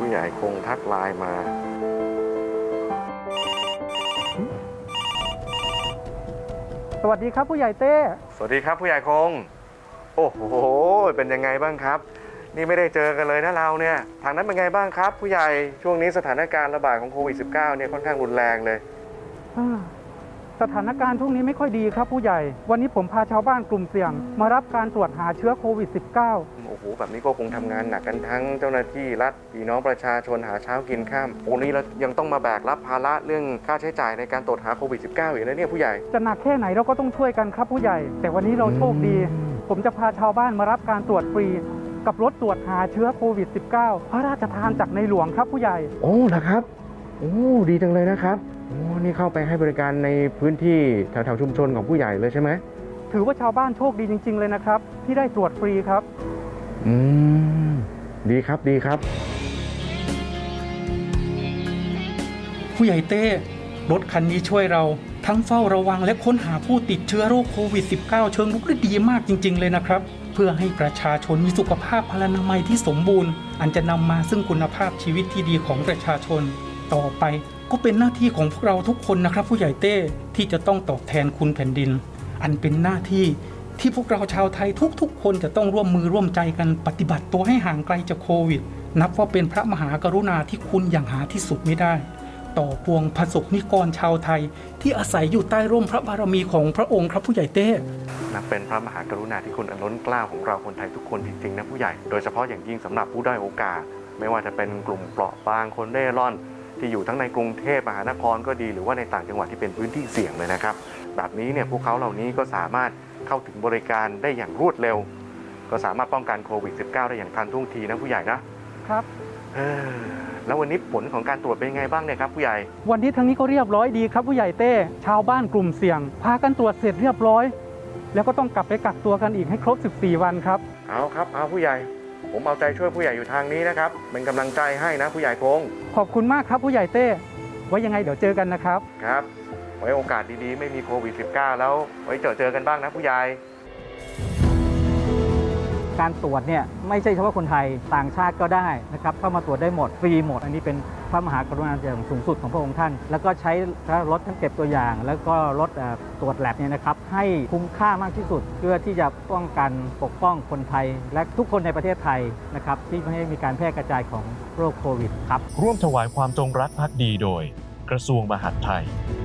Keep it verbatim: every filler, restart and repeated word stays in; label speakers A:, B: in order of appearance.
A: ผู้ใหญ่คงทักไลน์มา
B: สวัสดีครับผู้ใหญ่เต้
A: สวัสดีครับผู้ใหญ่คงโอ้โหเป็นยังไงบ้างครับนี่ไม่ได้เจอกันเลยนะเราเนี่ยทางนั้นเป็นไงบ้างครับผู้ใหญ่ช่วงนี้สถานการณ์ระบาดของโควิด สิบเก้า เนี่ยค่อนข้างรุนแรงเลย
B: สถานการณ์ช่วงนี้ไม่ค่อยดีครับผู้ใหญ่วันนี้ผมพาชาวบ้านกลุ่มเสี่ยงมารับการตรวจหาเชื้อโควิด สิบเก้า
A: โอ้โหแบบนี้ก็คงทำงานหนักกันทั้งเจ้าหน้าที่รัฐพี่น้องประชาชนหาเช้ากินข้ามโอ้นี้เรายังต้องมาแบกรับภาระเรื่องค่าใช้จ่ายในการตรวจหาโควิด สิบเก้า อีกนะเนี่ยผู้ใหญ่
B: จะหนักแค่ไหนเราก็ต้องช่วยกันครับผู้ใหญ่แต่วันนี้เราโชคดีผมจะพาชาวบ้านมารับการตรวจฟรีกับรถตรวจหาเชื้อโควิด สิบเก้า พระราชทานจากในหลวงครับผู้ใหญ่
A: โอ้นะครับโอ้ดีจังเลยนะครับโอ้นี่เข้าไปให้บริการในพื้นที่แถวๆชุมชนของผู้ใหญ่เลยใช่ไหม
B: ถือว่าชาวบ้านโชคดีจริงๆเลยนะครับที่ได้ตรวจฟรีครับ
A: อืมดีครับดีครับ
C: ผู้ใหญ่เต้รถคันนี้ช่วยเราทั้งเฝ้าระวังและค้นหาผู้ติดเชื้อโรคโควิด สิบเก้า เชิงรุกได้ดีมากจริงๆเลยนะครับเพื่อให้ประชาชนมีสุขภาพพลานามัยที่สมบูรณ์อันจะนำมาซึ่งคุณภาพชีวิตที่ดีของประชาชนต่อไปก็เป็นหน้าที่ของพวกเราทุกคนนะครับผู้ใหญ่เต้ที่จะต้องตอบแทนคุณแผ่นดินอันเป็นหน้าที่ที่พวกเราชาวไทยทุกๆคนจะต้องร่วมมือร่วมใจกันปฏิบัติตัวให้ห่างไกลจากโควิดนับว่าเป็นพระมหากรุณาธิคุณอย่างหาที่สุดไม่ได้ต่อปวงประสบนิกรชาวไทยที่อาศัยอยู่ใต้ร่มพระบารมีของพระองค์ครับผู้ใหญ่เต้
A: นับเป็นพระมหากรุณาธิคุณอันล้นเกล้าของเราคนไทยทุกคนจริงๆนะผู้ใหญ่โดยเฉพาะอย่างยิ่งสำหรับผู้ด้อยโอกาสไม่ว่าจะเป็นกลุ่มเปราะบางคนเร่ร่อนที่อยู่ทั้งในกรุงเทพมหานครก็ดีหรือว่าในต่างจังหวัดที่เป็นพื้นที่เสี่ยงเลยนะครับแบบนี้เนี่ยพวกเขาเหล่านี้ก็สามารถเข้าถึงบริการได้อย่างรวดเร็วก็สามารถป้องกันโควิด สิบเก้า ได้อย่างทันท่วงทีนะผู้ใหญ่นะครับแล้ววันนี้ผลของการตรวจเป็นยังไงบ้างเนี่ยครับผู้ใหญ่
B: วันนี้ทางนี้ก็เรียบร้อยดีครับผู้ใหญ่เต้ชาวบ้านกลุ่มเสี่ยงพากันตรวจเสร็จเรียบร้อยแล้วก็ต้องกลับไปกักตัวกันอีกให้ครบสิบสี่วันครับ
A: เอาครับเอาผู้ใหญ่ผมเอาใจช่วยผู้ใหญ่อยู่ทางนี้นะครับเป็นกำลังใจให้นะผู้ใหญ่คง
B: ขอบคุณมากครับผู้ใหญ่เต้ไว้ยังไงเดี๋ยวเจอกันนะครับ
A: ครับไว้โอกาสดีๆไม่มีโควิด สิบเก้า แล้วไว้เจอเจอกันบ้างนะผู้ใหญ่
D: การตรวจเนี่ยไม่ใช่เฉพาะคนไทยต่างชาติก็ได้นะครับเข้ามาตรวจได้หมดฟรีหมดอันนี้เป็นพระมหากรุณาธิคุณสูงสุดของพระองค์ท่านแล้วก็ใช้รถทั้งเก็บตัวอย่างแล้วก็รถตรวจแลบเนี่ยนะครับให้คุ้มค่ามากที่สุดเพื่อที่จะป้องกันปกป้องคนไทยและทุกคนในประเทศไทยนะครับที่ไม่ให้มีการแพร่กระจายของโรคโควิดครับ
E: ร่วมถวายความจงรักภักดีโดยกระทรวงมหาดไทย